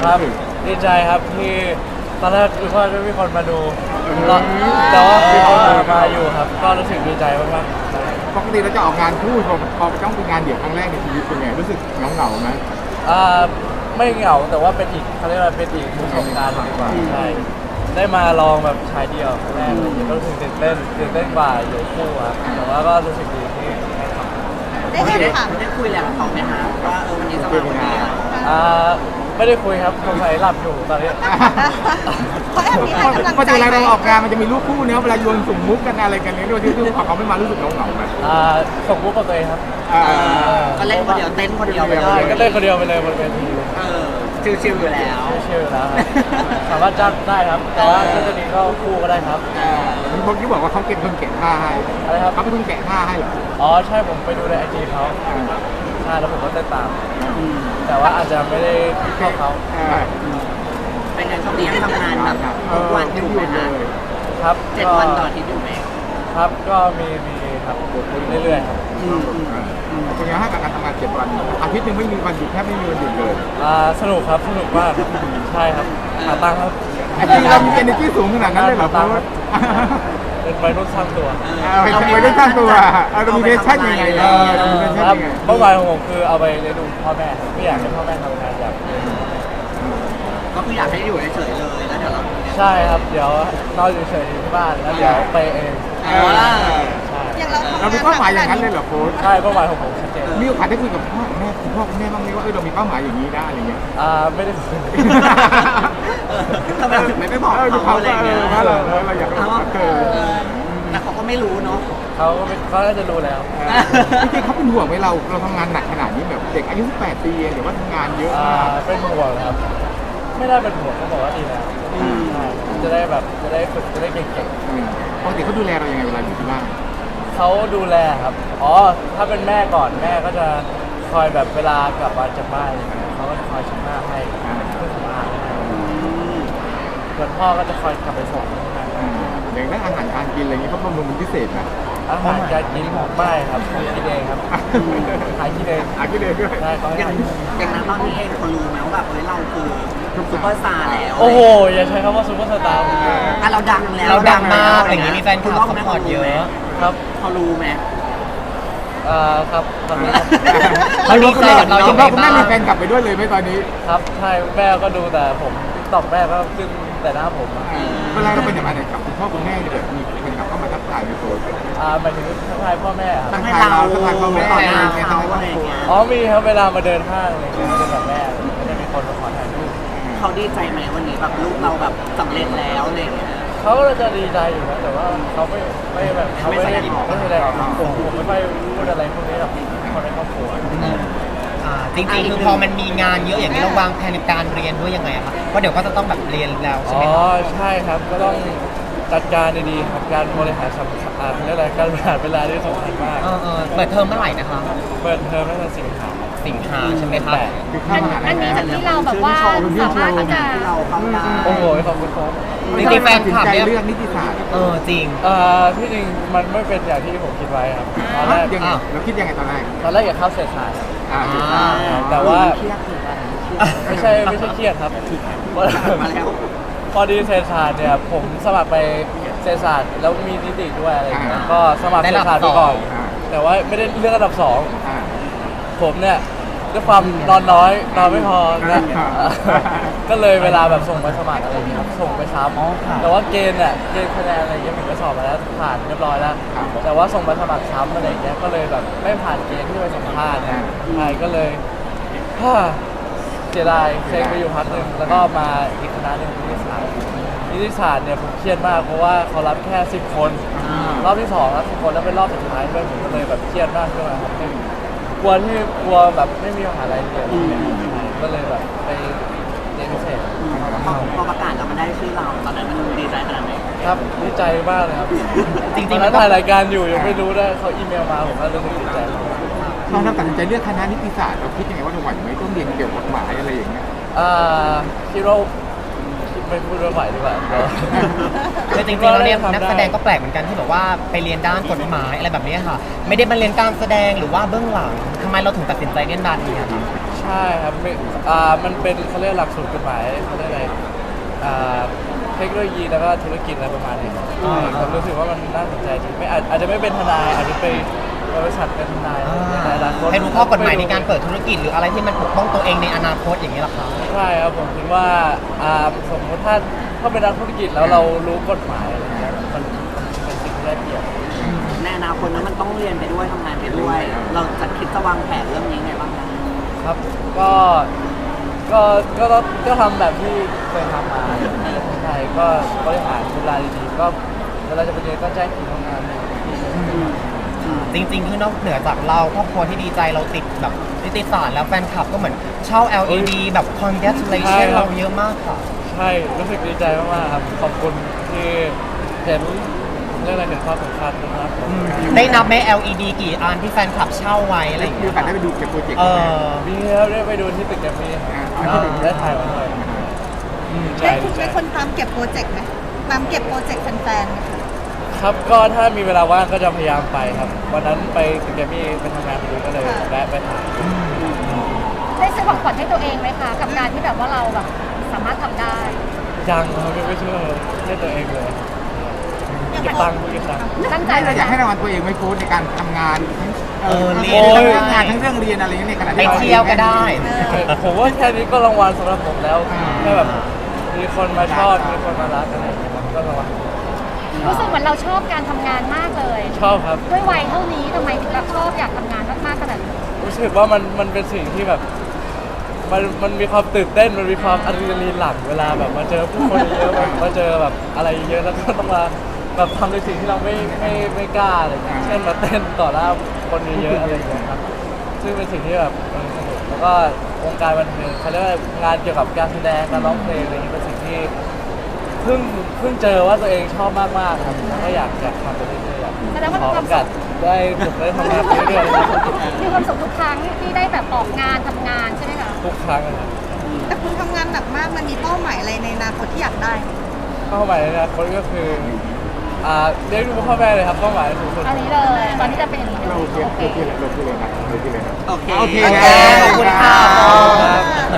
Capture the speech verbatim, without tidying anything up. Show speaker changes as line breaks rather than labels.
ครับดีใจครับที่ตอนแรกคือว่าไม่มีคนมาดูแล้วแต่ว่ามีคนมาอยู่ครับก็รู้สึกดีใจมากๆ
ปกติเราจะออกงานคู่พอพอต้องเป็นงานเดี่ยวครั้งแรกในชีวิตเป็นไงรู้สึกเหงาเหงาๆไหม
อ่าไม่เหงาแต่ว่าเป็นอีกเขาเรียกว่าเป็นอีกประสบการณ์ดีกว่าใช่ได้มาลองแบบชายเดียวครั้งแรกเลยก็รู้สึกตื่นเต้นตื่นเต้นกว่าอยู่คู่ครับแต่ว่าก็รู้สึกดีที่ได้ทำ
ได้แอบถาม
ได้คุยแล้วกับเขาไหมคะว่าเออวันนี้จะมาวันนี้
อ่าไม่ได้คุยครับสงสัยหลับอยู่ตอนนี้
เขาแอบมีให้กำลัง
พอ
ใจ
เวลา
ไหม
เราออกงานมันจะมีลูกคู่เนี้ยเวลาโยนสุ่มมุกกันอะไรกันเนี่ยด้วยที่พอเขาไม่มารู้สึกเหงาเหงาๆไหม
อ่าส่งมุกกับตัวเองครับ
อ่า
ก็เล่นคนเดียวเต้นคนเดียวไปเล
ใช่
ย
ก็เล่นคนเดียวไปเลยบนเวที
เออชิวๆอยู่แล้ว
ไม่เชื่อแล้วครับสามารถจ้างได้ครับ แต่ว่าถ้าจะนี้ก็คู่ก็ได้ครับ
เมื่อกี้บอกว่าเขาเก็บคนแกะผ้าให้
อะไรครับ
เขาเป็นคนแกะผ้าให้เหรอ
อ๋อใช่ผมไปดูในไอจีเขาใช่แล้วผมก็เต้นตาม แต่ว่าอาจจะไม่ได้เข้าเขา
อ่า
เป็นไงช่วงนี้ยังทำงานแบบทุกวันอยู่ไหมคะ
ครับ
เจ็ด
ก็
วันต่ออาทิตย์อยู่ไหม
ครับก็มีมีครับเรื่อยๆครับ
อืมอืม
เป็นไงให้กับการทำงานเจ็ดวันอาทิตย์หนึ่งไม่มีวันหยุดแทบไม่มีวันหยุดเลย
อ่าสนุกครับสนุกมากครับใช่ครับหาตังค์ครับ
ไอ้จริงเรามี energy สูงขนาดนั้นเลยเหรอเพราะว่า
เป็นวัยรุ่นสร้างตัว
เอาไปไปได้สร้างตัวเอาเรามีเนชั่นยังไงเออเรามีเนชั่น
ครับ
ยังไง
เป้าหมายของผมคือเอาไปเลี้ยงดูพ่อแม่ครับไม่อยากให้พ่อแม่ทำงานอยาก
ก็คืออยากให้อยู่เฉยๆเลยแล้วเดี๋ยวเรา
ใช่ครับเดี๋ยวนอนอยู่เฉยๆที่บ้านแล้วเดี๋ยวไปเอง
เออ
ใช่
อย่างเราทำ
เรามี
งาน
เป้าหมายอย่างนั้นเลยเหรอโค้ช
ใช่เป้าหมายของผมชัดเจน
มีโอกาสได้คุยกับพ่อกับแม่คุณพ่อคุณแม่บ้างไหมว่าเออเรามีเป้าหมายอย่างนี้ได้อะไรเงี้ย
อ่าไม่ได้คุย
ทำไมถึงไม่ไปบอก
เออ
เขาอะไรอย่างเงี้ย
ว่าเราเราอยากรู้ว่าเออ
เออแต่เขาก็ไม่รู้เนาะ
เขาก็ไม่เขาน่าจะรู้แล้ว
จริงๆเขาเป็นห่วงไหมเราเราทำงานหนักขนาดนี้แบบเด็กอายุสิบแปดปีเองหรือว่าทำงานเยอะ
อ่าม
าก
เป็นห่วงครับ ไม่ได้เป็นห่วงเขาบอกว่าดีแล้วใช่จะได้แบบจะได้ฝึกจะได้เก่ง
อืมปกติเขาดูแลเรายังไงเวลาอยู่ที่บ้าน
ๆเขาดูแลครับอ๋อถ้าเป็นแม่ก่อนแม่ก็จะคอยแบบเวลากลับมาจากบ้านอะไรเงี้ยเขาก็จะคอยชักหน้าให้เครื่องสำอางให้ส่วนพ่อก็จะคอยกลับไปส่งที่ทำงาน
อืมอย่างเรื่องอาหารการกินอะไรเงี้ยเขาบำรุงเป็นพิเศษนะ
อาหารการกินไม่ครับผมกินเองครับหากินเอง
อากินเองด้วย
ใช่เขาให้
อย่าง
หากิน
อย่างนั้นตอนนี้เองเขารู้ไหมว่าแบบเฮ้ยเราคือซุปเปอร์สตาร์แล้ว
โอ้โหอย่าใช้คำว่าซูเปอร์สตาร์ผมเลย
อ่ะเราดังแล้ว
เราดังมากอย่างนี้มีแฟนคลับ
ณ
ซัพพอร์ตเยอะ
ครับ
เขารู้ไหม
อ่าครับตอนนี้ครับ
เขาดีใจกับเรา
คุ
ยั
ณ
ง
พ่
ไง
อคุณแม่
บ้าง
มีแฟนกลับไปด้วยเลยไหมตอนนี้
ครับใช่แม่ก็ดูแต่ผมตอกแม่ก็ขึ้นแต่หน้าผมอะ
เวลาเราไปไหนมาไหนกับคุณพ่อคุณแม่เนี่ยแบบมีแฟนกลับเข้ามาทักทายในโซเชียล
อ่าหมายถึงทักทายพ่อแม่ครับ
ต้องให้เรา
ทักทายพ่อแม่
ต่อหน้าเขาอะไรอย่างเงี้ย
อ๋อมีครับเวลามาเดินห้างอะไรเงี้ยเดินกับแม่ก็จะมีคนมาขอถ่ายรูป
เขาดีใจไหมวันนี้แบบลูกเราแบบสำเร็จแล้วอะไรอย่างเงี้ย
เขาก็จะดีใจอยู่นะแต่ว่าเขาไม่ไม่แบบเขาไม่ได้ไม่แสดงออกผมผมไม่ค่อยพูดอะไรพวกนี้หรอกคนในครอบครัว
อ่าจริงๆคือพอมันมีงานเยอะอย่างนี้เราวางแผนในการเรียนด้วยยังไงอะคะเพราะเดี๋ยวก็จะต้องแบบเรียนแล้วใช่
อ๋
ไห
อ
มคะ
ใช่ครับก็ต้องจัดการดีๆครับการบริหารสำคัญอ่าเรียกอะไรการบริหารเวลาที่สำคัญมาก
เออเออเปิดเทอมเมื่อไหร่นะคะ
เปิดเทอมตั้งแต่สิงหา
สิงหาใช่ไหมคะ
แปด
คือเข้ามหาลั
อั
ย
นนี้
แล้ว
จากที่เราแบบว่าสามารถที่จะ
ที่เราเข้าได้
โอ้โหขอบคุณครับ
จริงๆแฟนคลับ
ตัดสิ
เนี่ย
ใจเลือกนิติศาสตร์
เออจริง
เอ่อที่จริงมันไม่เป็นอย่างที่ผมคิดไว้ครับตอนแรก
ยังไงเราคิดยังไงตอนแรก
ตอนแรกอยากเข้าเศรษฐศาสตร์
อ่า
อ่า
แต่ว่า
เครียดถึงอะไร
ไม่ใช่ไม่ใช่เครียดครับ
มาแล้ว
พอดีเศรษฐศาสตร์เนี่ยผมสมัครไปเศรษฐศาสตร์แล้วมีนิติด้วยอะไรอย่างเงี้ยก็สมัครเศรษฐศาสตร์ไปก่อน แต่ว่าไม่ได้เลือกอันดับสอง
อ่า
ผมเนี่ยด้วยความนอนน้อยนอนไม่พอนะ
อ่า
ก็เลยเวลาแบบส่งไปสมัครอะไรอย่างเงี้ยครับส่งไปซ้ำแต่ว่าเกณฑ์เนี่ยเกณฑ์คะแนนอะไรอย่างเงี้ยผมไปสอบมาแล้วผ่านเรียบร้อยแล้ว แต่ว่าส่งไปสมัครซ้ำอะไรอย่างเงี้ยก็เลยแบบไม่ผ่านเกณฑ์ที่ไปสัมภาษณ์เนี่ยใช่ก็เลยฮ่าเสียดายเซ็งไปอยู่พักหนึ่งแล้วก็มาอีกคณะหนึ่งนิติศาสตร์นิติศาสตร์เนี่ยผมเครียดมากเพราะว่าเขารับแค่สิบคน รอบที่สองรับสิบคนแล้วเป็นรอบสุดท้ายด้วยผมก็เลยแบบเครียดมากขึ้นมาครับกลัวที่กลัวแบบไม่มีมหาลัยเรียนเนี่ยใช่ก็เลยแบบไปเรียนพิเศษ
พอพอประกาศแล้วมันได้ชื่อเราตอนนั้นมันดีใจขนาดไหน
ครับดีใจมากเลยครับ
จริงๆ
ตอนนั้นถ่ายรายการอยู่ยังไม่รู้ด้วยเขาอีเมลมาผมก็รู้สึกดีใจมาก
ตอนเราตัดสินใจเลือกคณะนิติศาสตร์เราคิดยังไงว่าเราไหวไหมต้องเรียนเกี่ยวกับกฎหมายอะไรอย่างเงี้ย
อ่าคิดว่าไม่พูดว่าไหวดีกว่าเดี๋ยว
คือจริงๆแล้วเนี่ยนักแสดงก็แปลกเหมือนกันที่บอกว่าไปเรียนด้านกฎหมายอะไรแบบนี้ค่ะ ไม่ได้มาเรียนการแสดงหรือว่าเบื้องหลังทำไมเราถึงตัดสินใจเล่นด้านนี้อะครับ
ใช่ครับไม่อ่ามันเป็นเขาเรียกหลักสูตรกฎหมายเขาเรียกอะไรอ่าเทคโนโลยีแล้วก็ธุรกิจอะไรประมาณนี้ครับ
อ่า
ผมรู้สึกว่ามันน่าสนใจจริงไม่อาจอาจจะไม่เป็นทนายอาจจะไปบริษัทเป็นทนายในอนาคต
ให้รู้ข้อกฎหมายในการเปิดธุรกิจหรืออะไรที่มันปกป้องตัวเองในอนาคตอย่างนี้หรอคะ
ใช่ครับผมคิดว่าอ่าสมมติถ้าถ้าเป็นนักธุรกิจแล้วเรารู้กฎหมายอะไรเงี้ยมันมันเป็นสิ่งที่ได้เปรียบ
ในอนาคตนั้นมันต้องเรียนไปด้วยทำงานไปด้วย เราจะคิดจะวางแผนเรื่องนี้ไงบ้างคะ
ครับก็ก็ก็ก็ก็ทำแบบที่เคยทำมาใช่ก็บริหารเวลาดีๆก็เวลาจะไปเรียนก็แจ้งคิวทำงาน
จริงๆคือนอกเหนือจากเราครอบครัวที่ดีใจเราติดแบบนิติศาสตร์แล้วแฟนคลับก็เหมือนเช่า แอล อี ดี แบบ congratulation เราเยอะมากค่ะ
ใช่รู้สึกดีใจมากๆครับขอบคุณที่เห็นเรื่องอะไรเห็นความสำคัญนะครับผม
ได้นับไหม แอล อี ดี กี่อันที่แฟนคลับเช่าไว้อะไรอย่าง
มี
เงี้
โอย กาสได้ไปดูเก็บโปรเจกต์
เอ
ไหม
อ
มีครับได้ไปดูที่ตึกแกรมมี่
อ่า
ได้ถ่ายมาด้วยใช่
ได้คุณ
ใช่
เป็นคนตามเก็บโปรเจกต์ไหมตามเก็บโปรเจกต์แฟนๆไหมคะ
ครับก็ถ้ามีเวลาว่างก็จะพยายามไปครับวันนั้นไปตึกแกรมมี่ไปทำงานพอดีก็เลยแวะไปถ่าย
ได้ซื้อของขวัญให้ตัวเองไหมคะ กับการที่แบบว่าเราแบบสามารถทำได้
ยังครับไม่เชื่อให้ตัวเองเลยเก็บตังค์เก็บตังค์
ตั้งใจ
เรา
ไว้
อยากให้
นะ
รางวัลตัวเองไหม่โค้ชในการทำงานทั้ง
เออเรี
เรี
ย
ย
น
น
ด้วย
ทั้งงานทั้งเรื่องเรียนอะไรอย่างเงี้ยในขณะ
ไป
ที่รา
เที่ยวก็ได้
ผมว่าแค่นี้ก็รางวัลสำหรับผมแล้วแค่แบบมีคนมาชอบมีคนมารักอะไรอย่างเงี้ยก็รางวัล
รู้สึกเหมือนเราชอบการทำงานมากเลย
ชอบครับ
ด้วยวัยเท่านี้ทำไมถึงแบบชอบอยากทำงานมากๆขนาดนี้
รู้สึกว่ามันมันเป็นสิ่งที่แบบมันมันมีความตื่นเต้นมันมีความอะดรีนาลีนหลั่งเวลาแบบมาเจอผู้คนเยอะๆมาเจอแบบอะไรเยอะแล้วก็ต้องมาแบบทำในสิ่งที่เราไม่ไม่ไม่กล้าอะไรอย่างเงี้ยเช่นมาเต้นต่อหน้าคนเยอะๆอะไรอย่างเงี้ยครับซึ่งเป็นสิ่งที่แบบเออสนุกแล้วก็วงการบันเทิงเขาเรียกว่างานเกี่ยวกับการแสดงการร้องเพลงอะไรอย่างเงี้ยเป็นสิ่งที่เพิ่งเพิ่งเจอว่าตัวเองชอบมากๆครับแล้วก็อยากอยากทำไปเรื่อยๆ
แสดงว่า
ขอ
มีค
โอ
วาม
กา
สุ
ส
ข
ได้ฝึกได้ทำงานไปเรื่อยๆ
มีความสุขทุกครั้งที่ได้แบบออกงานทำงานใช่ไหมคะ
ทุกครั้งนะครับ
แต่คุณทำงานหนักมากมันมีเป้าหมายอะไรในอนาคตที่อยากได้ไหม
เป้าหมายในอนาคตก็คืออ่าเรียกดูพ่อแม่เลยครับเป้าหมายสูงสุด
อันนี้เลย ตอนนี้จะเป็นอย่างนี้เลย
เราโอเค
โอเค
โอเคเลยโอเคเลยนะโอเคเลยนะ
โอเค
โอเค
โอเคขอบคุณค่ะ
ครับ